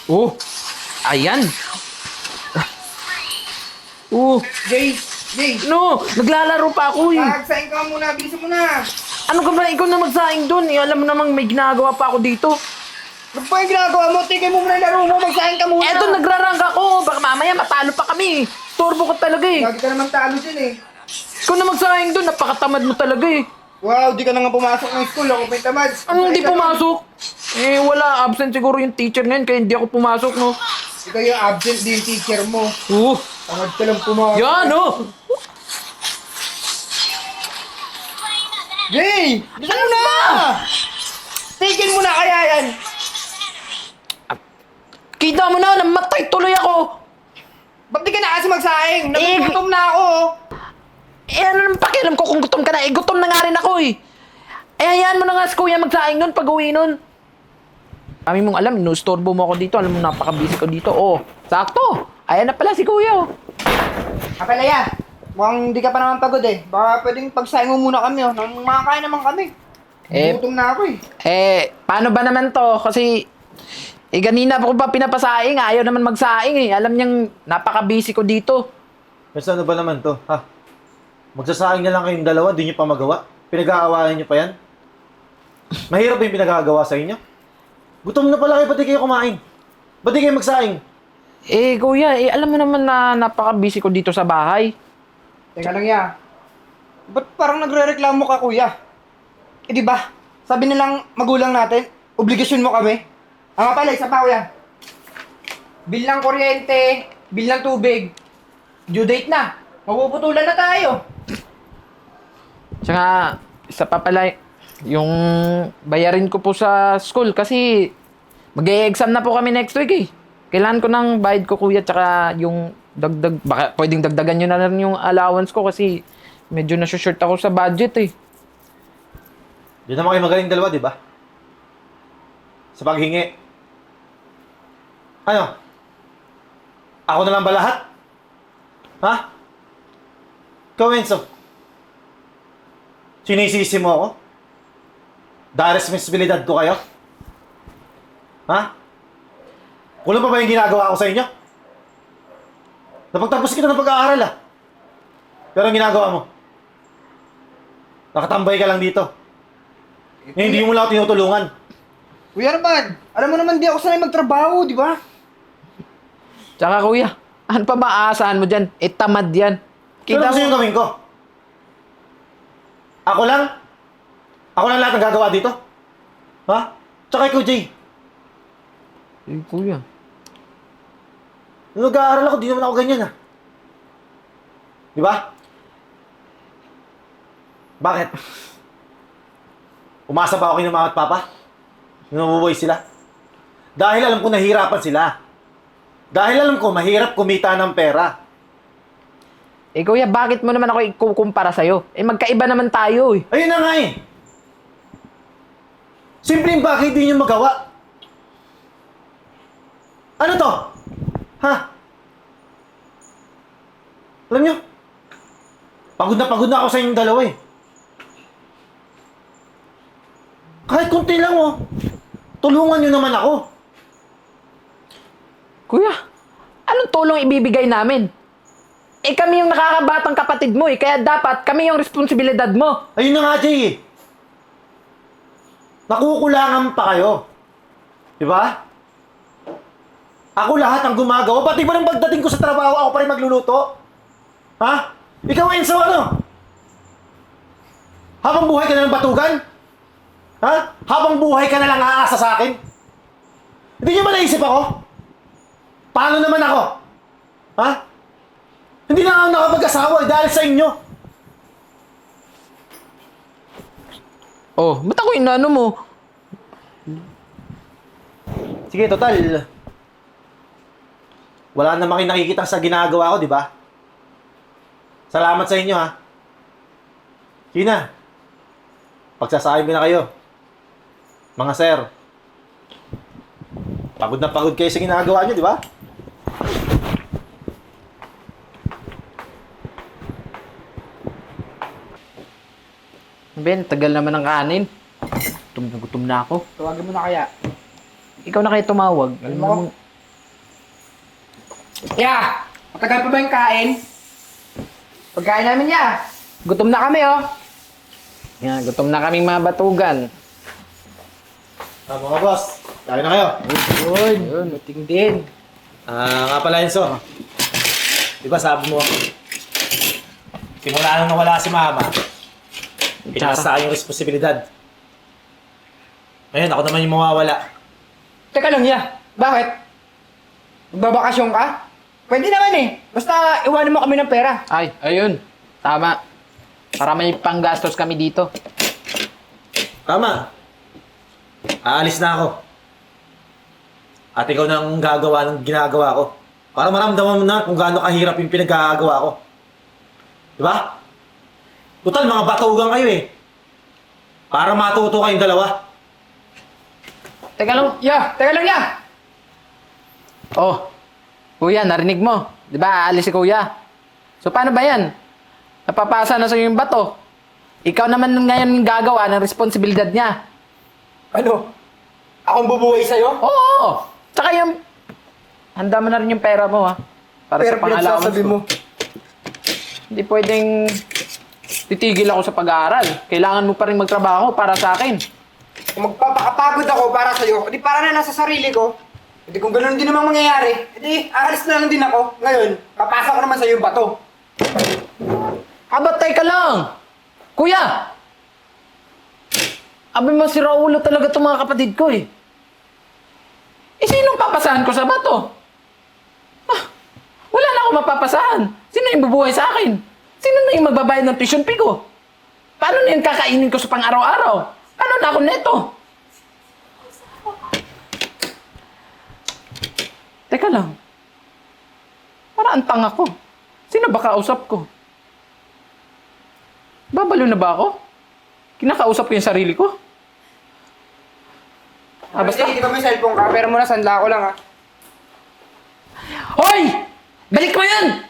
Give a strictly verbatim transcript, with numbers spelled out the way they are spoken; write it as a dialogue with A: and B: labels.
A: Oh, ayan. Oh,
B: Jay! Jay!
A: no, naglalaro pa ako eh.
B: Magsaing ka muna, bilisan mo na!
A: Ano ka ba? Ikaw na magsaing doon. Eh, alam mo namang may ginagawa pa ako dito.
B: Ano pa yung ginagawa mo? Tigay mo muna yung laro mo, magsaing ka muna!
A: Eto, nagrarangk ako. Baka mamaya matalo pa kami. Turbo ka talaga eh.
B: Lagi ka naman talo dyan eh.
A: Ikaw na magsaing doon. Napakatamad mo talaga eh.
B: Wow, di ka na nga pumasok ng school, ako pa yung tamad.
A: Anong hindi
B: Magsaing ka
A: pumasok? Eh, wala. Absent siguro yung teacher ngayon kaya hindi ako pumasok, no?
B: na. Ikaw yung absent, di yung teacher mo.
A: Uh,
B: Tamad ka lang pumasok.
A: yan, oh.
B: Jay! Bilisan mo na! Tigil mo na kaya yan!
A: Kita mo na, namatay tuloy ako.
B: Ba't di ka na kasi magsaing?
A: Eh,
B: Nagugutom na ako!
A: Eh, ano naman pakialam ko kung gutom ka na? Eh, gutom na nga rin ako eh. Eh, hayaan mo na nga si kuya magsaing nun pag uwi nun. Kami mong alam, inustorbo mo ako dito. Alam mo, napaka-busy ko dito. Oh, sakto. Ayan na pala si kuya. Oh.
B: Kapalaya, mukhang di ka pa naman pagod eh. Baka pwedeng pagsaing mo muna kami oh. Nang makakain naman kami.
A: Eh,
B: Gutom na ako eh.
A: Eh, paano ba naman to? Kasi, eh, ganina pa ko pa pinapasaing. Ayaw naman magsaing eh. Alam niyang napaka-busy ko dito.
C: Mas ano ba naman to, ha? Magsasaing na lang kayong dalawa, di nyo pa magawa. Pinag-aawayan nyo pa yan. Mahirap ba yung pinagagawa sa inyo? Gutom na pala kayo, pati kayo kumain. Ba't di kayo magsaing?
A: Eh, kuya, eh, alam mo naman na napaka-busy ko dito sa bahay.
B: Teka lang ya. Ba't parang nagre-reklamo ka kuya? Eh di ba? Sabi nilang magulang natin, obligasyon mo kami. Ah nga pala, isa pa kuya. Bill ng kuryente, bill ng tubig. Due date na. Mapuputulan na tayo.
A: Tsaka, isa pa pala, yung bayarin ko po sa school kasi mag-e-exam na po kami next week eh. Kailangan ko ng bayad ko kuya tsaka yung dagdag, baka pwedeng dagdagan nyo na rin yung allowance ko kasi medyo nasushort ako sa budget eh.
C: Di naman kayo magaling dalawa, di ba? Sa paghingi. Ano? Ako na lang ba lahat? Ha? Ikaw, Enzo. Sinisisi mo ako? Dahil responsibilidad ko kayo? Ha? Kulang pa ba yung ginagawa ko sa inyo? Napagtapos kita ng pag-aaral ah. Pero ang ginagawa mo? Nakatambay ka lang dito. Eh, hindi mo lang ako tinutulungan.
B: Kuya naman, alam mo naman di ako sanay magtrabaho, di ba?
A: Tsaka kuya, ano pa maaasahan mo dyan? Eh tamad yan.
C: Pero
A: Kita
C: gusto
A: mo,
C: yung gawin ko? Ako lang? Ako lang lahat ng gagawa dito? Ha? Tsaka ikaw, Jay.
A: eh, kuya.
C: Nung nag-aaral ako, di naman ako ganyan ah. Di ba? Bakit? Umasa ba ako kay mama at papa? Nung nabubuhay sila? Dahil alam ko nahihirapan sila. Dahil alam ko mahirap kumita ng pera.
A: Eh kuya, bakit mo naman ako ikukumpara sa'yo? Eh magkaiba naman tayo eh.
C: Ayun na nga eh. Simpleng bagay di nyo magawa. Ano to? Ha? Alam nyo? Pagod na pagod na ako sa inyong dalawa eh. Kahit kunti lang oh. Tulungan nyo naman ako.
A: Kuya, anong tulong ibibigay namin? Eh kami yung nakakabatang kapatid mo eh, kaya dapat kami yung responsibilidad mo.
C: Ayun na nga, Jay eh. Nakukulangan pa kayo. Di ba? Ako lahat ang gumagawa. Pati ba ng pagdating ko sa trabaho, ako pa rin magluluto? Ha? Ikaw, Enzo, ano? Habang buhay ka na ng batugan? Ha? Habang buhay ka na lang aasa sa akin? Hindi niyo ba naisip ako? Paano naman ako? Ha? Hindi na ako nakapag-asawa eh, dahil sa inyo.
A: Oh, ba't ako inano mo?
C: Sige, total. Wala naman kayo nakikita sa ginagawa ko, di ba? Salamat sa inyo, ha? Sige na. Pagsasahin ko na kayo. Mga sir. Pagod na pagod kayo sa ginagawa nyo, di ba?
A: Ben, tagal naman ng kanin. Gutom na gutom na ako.
B: Tawagin mo na kaya.
A: Ikaw na kayo tumawag. Alam
B: Alam mo,
A: mo,
B: Ya! Matagal pa ba yung kain? Pagkain namin ya. Gutom na kami oh.
A: Yan, gutom na kaming mga batugan.
C: Ah, mga boss, kain na kayo.
B: Yun, yun, buting din.
C: Ah, nga pala Enzo. Di ba sabi mo, simula nung nawala si Mama, pinasa sa akin yung responsibilidad. Ngayon, ako naman yung mawawala.
B: Teka lang ya, bakit? Magbabakasyon ka? Pwede naman eh. Basta iwanan mo kami ng pera.
A: Ay, ayun. Tama. Para may panggastos kami dito.
C: Tama. Aalis na ako. At ikaw na ang gagawa ng ginagawa ko. Para maramdaman mo na kung gaano kahirap yung pinaggagawa ko. Di ba? Total, mga batugan kayo eh. Para matuto kayong dalawa.
A: Teka lang.
B: Ya, teka lang ya.
A: Oh, kuya, narinig mo. Di ba, aalis si kuya. So, paano ba yan? Napapasa na sa'yo yung bato. Ikaw naman ngayon yung gagawa ng responsibilidad niya.
B: Ano? Akong bubuhay sa'yo?
A: Oo! Tsaka yung... Handa mo na rin yung pera mo, ha? Para
B: Pero
A: sa pang-allowance
B: pinagsasabi
A: ko.
B: mo.
A: Hindi pwedeng... Titigil ako sa pag-aaral. Kailangan mo pa rin magtrabaho para sa akin.
B: Kung magpapakapagod ako para sa'yo, edi para na nasa sarili ko. Edi kung ganoon din namang mangyayari, edi aalis na lang din ako. Ngayon, papasa ko naman sa'yo yung bato.
A: Aba, teka lang! Kuya! Abi mo, si Raulo talaga itong mga kapatid ko eh. Eh, sinong papasahan ko sa bato? Ah, wala na akong mapapasahan. Sino yung bubuhay sa akin? Sino na yung magbabayad ng tuition fee ko? Paano na yung kakainin ko sa pang-araw-araw? Ano na ako neto? Teka lang. Para ang tanga ko. Sino ba kausap ko? Babalo na ba ako? Kinakausap ko yung sarili ko? Ah, basta.
B: Sige, di ba may cellphone ka? Pero muna, sandla ko lang ha.
A: Hoy! Balik mo yan!